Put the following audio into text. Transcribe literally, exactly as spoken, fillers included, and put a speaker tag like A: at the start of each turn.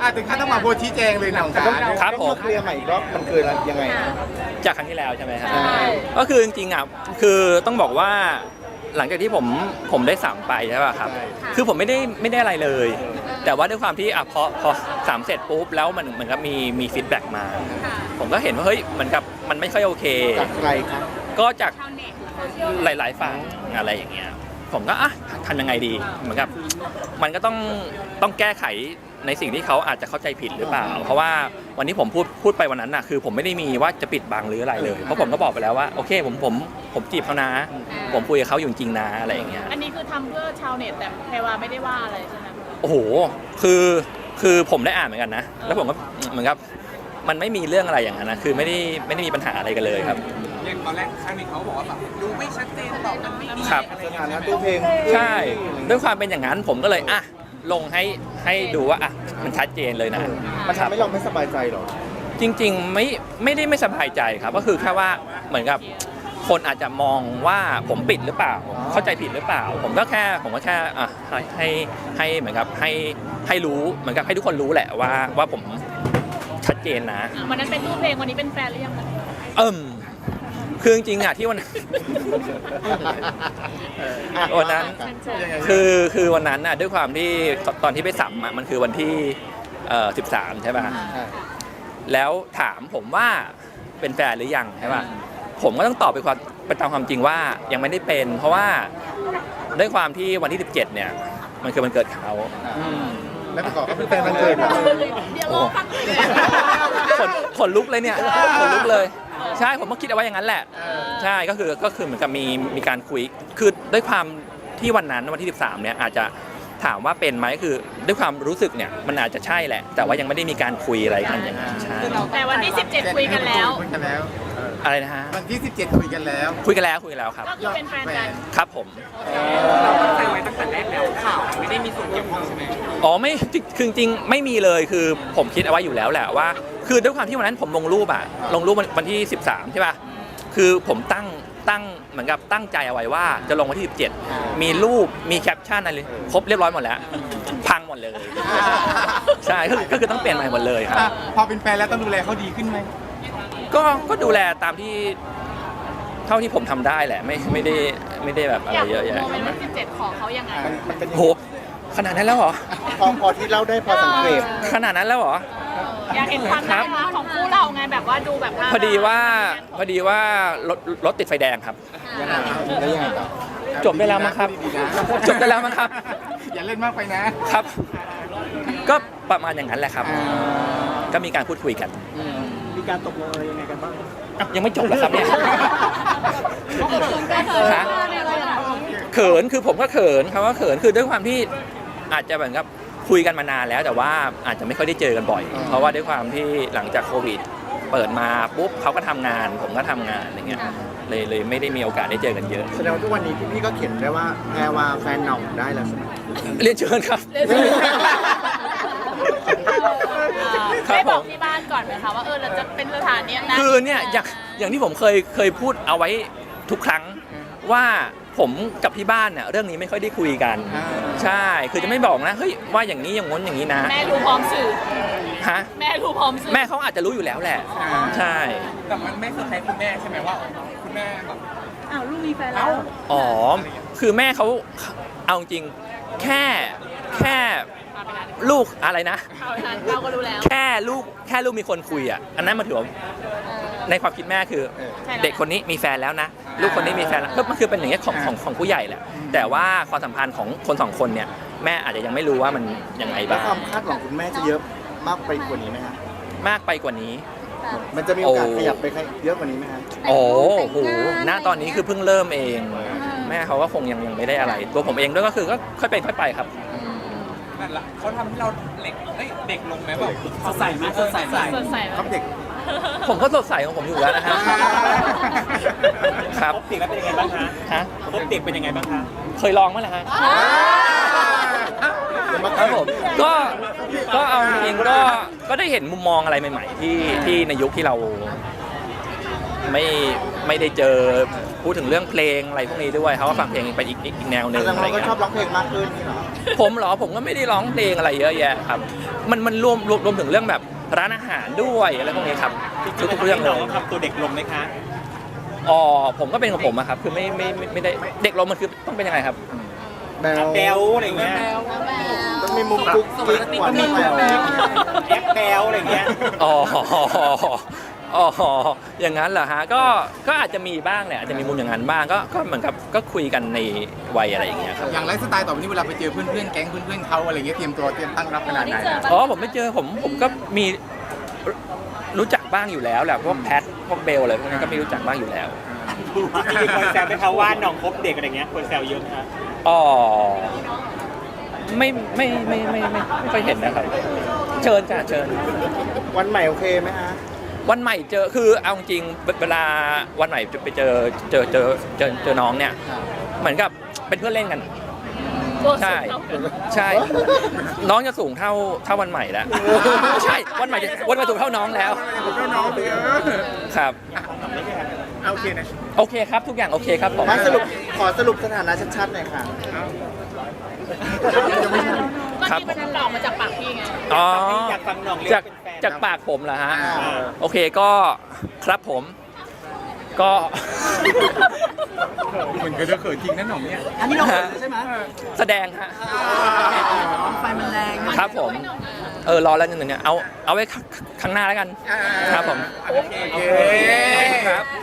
A: ถึงขั้นต้องมาโพสต์ชี้แจงเลยหนัง
B: ครับผม
C: เคลียร์ใหม่อีกรอบมันคือยังไง
B: จากครั้งที่แล้วใช่ไหมครับ
C: ใช่
B: ก็คือจริงๆอ่ะคือต้องบอกว่าหลังจากที่ผมผมได้สั่งไปใช่ป่ะครับคือผมไม่ได้ไม่ได้อะไรเลย แต่ว่าด้วยความที่อ่ะพอพอสามเสร็จปุ๊บแล้วมันเหมือนกับมีมีฟีดแบ็กมา ผมก็เห็นว่าเฮ้ยเหมือนกับมันไม่ค่อยโอเค
C: จากใครครับ
B: ก็จากหลายๆฝั่งอะไรอย่างเงี้ยผมก็อ่ะทำยังไงดีเหมือนกับมันก็ต้องต้องแก้ไขในสิ่งที่เขาอาจจะเข้าใจผิดหรือเปล่า เพราะว่าวันนี้ผมพูดพูดไปวันนั้นน่ะคือผมไม่ได้มีว่าจะปิดบังหรืออะไรเลยเพราะผมก็บอกไปแล้วว่าโอเคผมผมผมจีบเขานะ ผมคุยกับเขาอยู่จริงนะอะไรอย่างเงี้ย
D: อันนี้คือทำเพื่อชาวเน็ตแต่แพรวาไม่ได้ว่าอะไรใช่ไหม
B: โอ้โหคือคือผมได้อ่านเหมือนกันนะแล้วผมก็เหมือนกับมันไม่มีเรื่องอะไรอย่างนั้นนะคือไม่ได้ไม่ได้มีปัญหาอะไรกันเลยครับ
A: อย่างตอนแรกครั้งนี้เขาบอกว่าแบบดูไม่ชัดเจนตอบกันไม่ดี
B: ครับ
C: สถานะตู้เพลง
B: ใช่ด้วยความเป็นอย่างนั้นผมก็เลยอ่ะลงให้ให้ดูว่าอ่ะมันชัดเจนเลยนะ
C: มันทำให้เราไม่สบายใจหรอ
B: จริงๆไม่ไม่ได้ไม่สบายใจครับก็คือแค่ว่าเหมือนกับคนอาจจะมองว่าผมปิดหรือเปล่า เข้าใจผิดหรือเปล่า ผมก็แค่ผมก็แค่อ่ะให้ให้ให้เหมือนกับให้ให้รู้เหมือนกับให้ทุกคนรู้แหละว่าว่าผมชัดเจนนะ
D: วันนั้นเป็นรูปเพลงวันนี้เป็นแฟนหรือยังคะ
B: เอิ่มคือจริงๆอ่ะที่วันวันนั้นคือคือวันนั้นน่ะด้วยความที่ตอนที่ไปสัมอ่ะมันคือวันที่เอ่อสิบสามใช่ป่ะแล้วถามผมว่าเป็นแฟนหรือยังใช่ป่ะผมก็ต้องตอบไปความไปตามความจริงว่ายังไม่ได้เป็น เพราะว่าด้วยความที่วันที่สิบเจ็ดเนี่ยมันคือวันเกิดเขา
C: แล้วประกอบก็เป็นแฟนมันเกิด
D: เดี๋ยวรอฟังเลย
B: ขนขนลุกเลยเนี่ยขนลุกเลยใช่ผมก็คิดเอาไว้อย่างนั้นแหละใช่ก็คือก็คือเหมือนกับมีมีการคุยคือด้วยความที่วันนั้นวันที่สิบสามเนี่ยอาจจะถามว่าเป็นไหมคือด้วยความรู้สึกเนี่ยมันอาจจะใช่แหละ แต่ว่ายังไม่ได้มีการคุยอะไรกันอย่างนั้นใช่
D: แต่วันที่สิบเจ็ดคุยกันแล้ว
A: คุยกันแล้ว
B: อะไรนะฮะ
A: วันที่สิบเจ็ดคุยกันแล้ว
B: คุยกันแล้วคุยกันแล้วครับ
D: ก็คือเป็นแฟนกัน
B: ครับผม
A: เราตั้งใจไว้ตั้งแต่แรกแล้วข่าวไม่ได้มีส่วนเกี่ยวข้องใช่ไหม
B: อ๋อไม่คือจริงๆไม่มีเลยคือผมคิดเอาไว้อยู่แล้วแหละว่า คือด้วยความที่วันนั้นผมลงรูปอะลงรูปวันที่สิบสามใช่ป่ะคือผมตั้งตั้งเหมือนกับตั้งใจเอาไว้ว่าจะลงวันที่สิบเจ็ดมีรูปมีแคปชั่นอะไรครบเรียบร้อยหมดแล้วพังหมดเลยใช่ก็คือก็คือต้องเปลี่ยนใหม่หมดเลยครับ
A: อ่ะพอเป็นแฟนแล้วต้องดูแลเขาดีขึ้นไหม
B: ก็ก็ดูแลตามที่เท่าที่ผมทำได้แหละไม่ไม่ได้ไม่ได้แบบอะ
D: อ
B: ไร
D: ยาก
B: เยอะแยะ
D: โมเมนต์วันที่สิบเจ็ดของเขายังไง
C: มันมันเป็น
B: โหขนาดนั้นแล้วเหรอ
C: พอพอที่เล่าได้พอสังเกต
B: ขนาดนั้นแล้วเหรอ
D: อยากเห็นความน่ารักของคู่เราไงแบบว่าดูแบบน่ารัก
B: พอดีว่าพอดีว่ารถรถติดไฟแดงครับ
C: ยังไงแล้วยังไงต่อ
B: จบได้แล้วมั้งครับ จบได้แล้วมั้งครับ
A: อย่าเล่นมากไปนะ
B: ครับ ก็ประมาณอย่างนั้นแหละครับ ก็มีการพูดคุยกัน
C: มีการตกลงอะไรยังไงกันบ้าง
B: อ่ะยังไม่จบเหรอครับเนี่ยฮะเขินคือผมก็เขินครับว่าเขินคือด้วยความที่อาจจะเหมือนกับคุยกันมานานแล้ว แต่ว่าอาจจะไม่ค่อยได้เจอกันบ่อย เพราะว่าด้วยความที่หลังจากโควิด เปิดมาปุ๊บเขาก็ทำงาน ผมก็ทำงานอย่างเงี้ยเลยเลยไม่ได้มีโอกาสได้เจอกันเยอะ
C: แสดงว่าทุกวันนี้พี่ก็เขียนได้ว่าแพรว่าแฟนหน่องได้แล้วใช่ไหม
B: เรียนเชิญครับ ครับ
D: ได้บ
B: ผ
D: อก
B: ม
D: ที่บ้านก่อนไหมคะว่าเออเราจะเป็นสถานเนี้ยนะ
B: คือเนี่ยอย่างอย่างที่ผมเคยเคยพูดเอาไว้ทุกครั้งว่าผมกับที่บ้านเนี่ยเรื่องนี้ไม่ค่อยได้คุยกัน ใช่คือจะไม่บอกนะเฮ้ยว่าอย่างนี้อย่างง้นอย่างนี้นะ
D: แม่รู้พร้อมสื่อ
B: ฮะ
D: แม่รู้พร้อมสื่อ
B: แม่เขาอาจจะรู้อยู่แล้วแหละ ใช่
A: แต่มันไม่เซอร์ไพรส์คุณแม่ใช่ไหมว่าคุณแม่แบบ
D: อ้าวลูกมีแฟนแล้ว
B: อ๋อคือแม่เขาเอาจริงแค่แค่ลูกอะไรนะ
D: เอาไปทานเราก็รู้แล้ว
B: แค่ลูกแค่ลูกมีคนคุยอ่ะอันนั้นมันถือว่าในความคิดแม่คือ เด็กคนนี้มีแฟนแล้วนะ ลูกคนนี้มีแฟนแล้วก็มันคือเป็นอย่างเงี้ยของของของผู้ใหญ่แหละแต่ว่าความสัมพันธ์ของคนสองคนเนี่ยแม่อาจจะยังไม่รู้ว่ามันยังไง
C: แล้ว
B: บ้าง
C: ความคาดหวังคุณแม่จะเยอะมากไปกว่านี้ไหมฮะ
B: มากไปกว่านี้
C: มันจะมีโอกาส
B: โอ้
C: ขยับไปเยอะกว่านี้ไหมฮะ
B: โอ้โหณตอนนี้คือเพิ่งเริ่มเอง แม่เขาก็คงยังยังไม่ได้อะไร ตัวผมเองด้วยก็คือก็ค่อยเป็นค่อยไปครับ
A: นั่นแหละเขาทำให้เราเด็กเอ้ยเด็กลงไหมแบบสดใสไหมสดใส
D: สดใส
C: ครับเด็ก
B: ผมก็สดใสของผมอยู่แล้วนะฮะครับ
E: พบเด็กแล้วเป็นยังไงบ้างคะ
B: ฮะ
E: พบเด็กเป็นยังไงบ้างคะ
B: เคยลองมั้ยล่ะฮะครับผมก็ก็เอาจริงๆก็ก็ได้เห็นมุมมองอะไรใหม่ ๆ ที่ที่ในยุคที่เราไม่ไม่ได้เจอพูดถึงเรื่องเพลงอะไรพวกนี้ด้วยเขาก็ฟังเพลงไปอีกอีกแนวหนึ่ง
C: แสดง
B: อะไร
C: ว่าเราก็
B: เงี้ย
C: ชอบร้องเพลงมากขึ้นนี่เหรอ
B: ผมเหรอผมก็ไม่ได้ร้องเพลงอะไรเยอะแยะครับมันมันรวมรวมรวมถึงเรื่องแบบร้านอาหารด้วยอะไรพวกนี้ครับทุกๆเรื่องเล
E: น้อย งทำตัวเด็กลงไหมคะ
B: อ๋อผมก็เป็นของผมอะครับคือไม่ไม่ไม่ไม่ได้เด็กลงมันคือต้องเป็นยังไงครับ
C: แบล
E: แบลอะไรเงี้ย
C: ต้องมีมุมกุ๊กกิ๊กหวานแบล
E: แอปแบลอะไรเงี้ย
B: อ๋ออ๋ออย่างนั้นเหรอฮะก็ก็อาจจะมีบ้างแหละอาจจะมีมุมอย่างนั้นบ้างก็ก็เหมือนกับก็คุยกันในวัยอะไรอย่างเงี้ยครับ
F: อย่างไลฟ์สไตล์ต่อไปนี้เวลาไปเจอเพื่อนๆแก๊งเพื่อนๆเขาอะไรเงี้ยเตรียมตัวเตรียมตั้งรับขนาดไหนอะ
B: อ๋อผมไม่เจอผมผมก็มีรู้จักบ้างอยู่แล้วแหละพวกแพทพวกเบลอะไรพวกนี้ก็มีรู้จักบ้างอยู่แล้ว
E: มีคนแซวไหมคะว่าน้องคบเด็กอะไรเงี้ยคนแซวเยอะไหมคะ
B: อ๋อไม่ไม่ไม่ไม่ไม่ไม่ค่อยเห็นนะครับเชิญจ้ะเชิญ
C: วันใหม่โอเคไหมฮะ
B: วันใหม่เจอคือเอาจริงเวลาวันใหม่ไปเจอเจอเจอเจอเจอน้องเนี่ยเหมือนกับเป็นเพื่อนเล่นกัน
D: ตัวสู
B: ใช่
D: งเท่ากัน
B: ใช่ น้องจะสูงเท่าเท่าวันใหม่แล้วไม่ใช่วันใหม่จะวันใหม่สูงเท่าน้องแล้ว
F: ผมก็น้องเลย
B: ครับ
F: เอาโอเคนะ
B: โอเคครับทุกอย่างโอเคครับผม
C: มาสรุปขอสรุปสถานะชัดๆหน่อยค่ะ
B: ครับ
D: เมื่อกี้มันหลอกมาจากปากพี่ไง
B: อ๋อ
E: อยากฟังน้องเรีย
B: จาก
E: กเป็นแฟน
B: จากปากผมเหรอฮะ
C: อ่า
B: โอเคก็ครับผม ก็
F: เหมือนกันจะเขินจริงนะหน่องเนี่ย
C: อันนี้เราเขินใช่ไหม
B: แสดงฮะ
C: ไฟมันแรงนะ
B: ครับผม เออรอแล้วนิดนึงเนี่ยเอาเอาไว้ข้างข้างหน้าแล้วกัน ครับผม
F: โอเค
B: ครับ